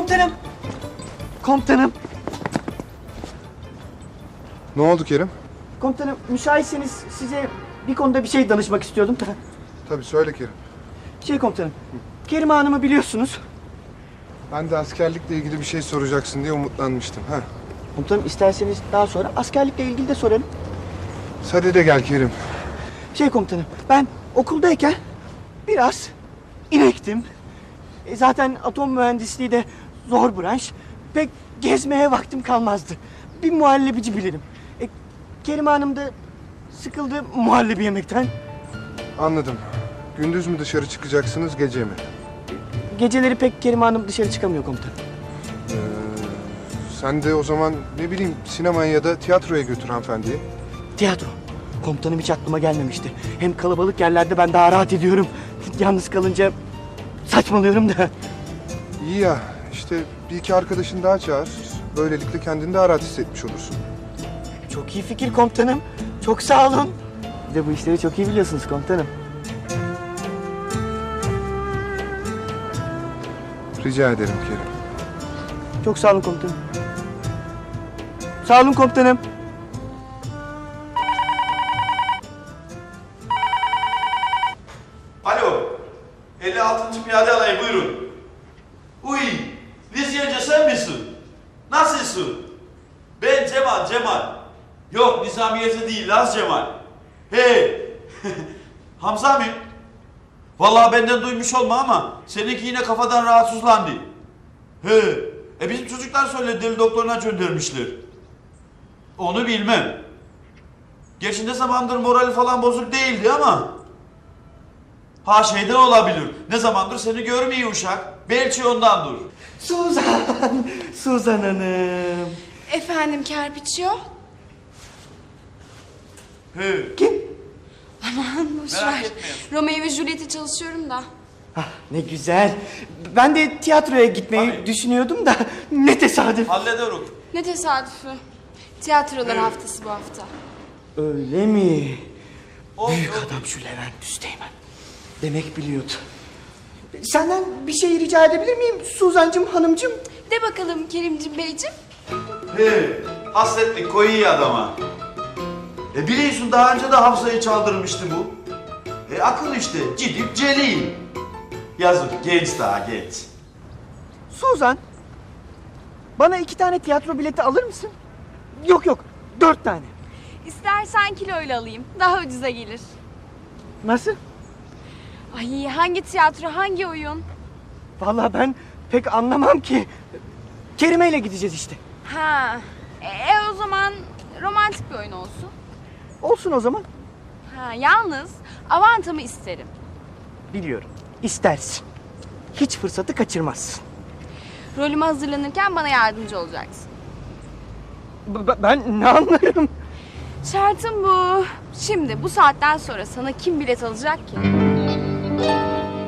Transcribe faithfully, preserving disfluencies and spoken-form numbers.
Komutanım. Komutanım. Ne oldu Kerim? Komutanım müsaitseniz size bir konuda bir şey danışmak istiyordum. Tabii söyle Kerim. Şey komutanım. Kerime Hanım'ı biliyorsunuz. Ben de askerlikle ilgili bir şey soracaksın diye umutlanmıştım. Ha. Komutanım isterseniz daha sonra askerlikle ilgili de soralım. Hadi de gel Kerim. Şey komutanım, ben okuldayken biraz inektim. E, zaten atom mühendisliği de zor branş. Pek gezmeye vaktim kalmazdı. Bir muhallebici bilirim. E, Kerime Hanım da sıkıldı muhallebi yemekten. Anladım. Gündüz mü dışarı çıkacaksınız, gece mi? Geceleri pek Kerime Hanım dışarı çıkamıyor komutanım. Ee, sen de o zaman ne bileyim sinemaya ya da tiyatroya götür hanımefendiyi. Tiyatro. Komutanım hiç aklıma gelmemişti. Hem kalabalık yerlerde ben daha rahat ediyorum. Yalnız kalınca saçmalıyorum da. İyi ya, işte bir iki arkadaşın daha çağır. Böylelikle kendini daha rahat hissetmiş olursun. Çok iyi fikir komutanım. Çok sağ olun. Bir de bu işleri çok iyi biliyorsunuz komutanım. Rica ederim Kerim. Çok sağ olun komutanım. Sağ olun komutanım. Alo, elli altıncı Piyade Alayı buyurun. Uy, Lizyece sen misin? Nasılsın? Ben Cemal, Cemal. Yok, Nizamiyeci değil, Laz Cemal. Hey, Hamza mı? Vallahi benden duymuş olma ama seninki yine kafadan rahatsızlandı. He, e bizim çocuklar söyledi, deli doktoruna göndermişler. Onu bilmem. Gerçi ne zamandır morali falan bozuk değildi ama... Ha şeyden olabilir. Ne zamandır seni görmüyor uşak. Belki ondandır. Suzan, Suzan Hanım. Efendim Kerpiçio? He. Kim? Aman boş Merak ver. etmeyin. Romeo ve Juliet'e çalışıyorum da. Ah, ne güzel. Ben de tiyatroya gitmeyi Tabii. düşünüyüm da ne tesadüf. Hallederim. Ne tesadüfü. Tiyatrolar haftası bu hafta. Öyle mi? Oldu. Büyük adam şu Levent Üsteğmen. Demek biliyordu. Senden bir şey rica edebilir miyim Suzancığım, hanımcığım? De bakalım Kerimcim Beyciğim. He. Hasretlik koyuyor adama. E biliyorsun daha önce de Hafsa'yı çaldırmıştı bu. E akıl işte. Cidip celil. Yazık genç daha genç. Suzan, bana iki tane tiyatro bileti alır mısın? Yok yok, dört tane. İstersen kiloyla alayım. Daha ucuza gelir. Nasıl? Ay hangi tiyatro, hangi oyun? Vallahi ben pek anlamam ki. Kerime ile gideceğiz işte. Ha. E, e o zaman romantik bir oyun olsun. Olsun o zaman. Ha yalnız avantamı isterim. Biliyorum, istersin. Hiç fırsatı kaçırmazsın. Rolüme hazırlanırken bana yardımcı olacaksın. B- b- ben ne anlarım? Şartım bu. Şimdi bu saatten sonra sana kim bilet alacak ki?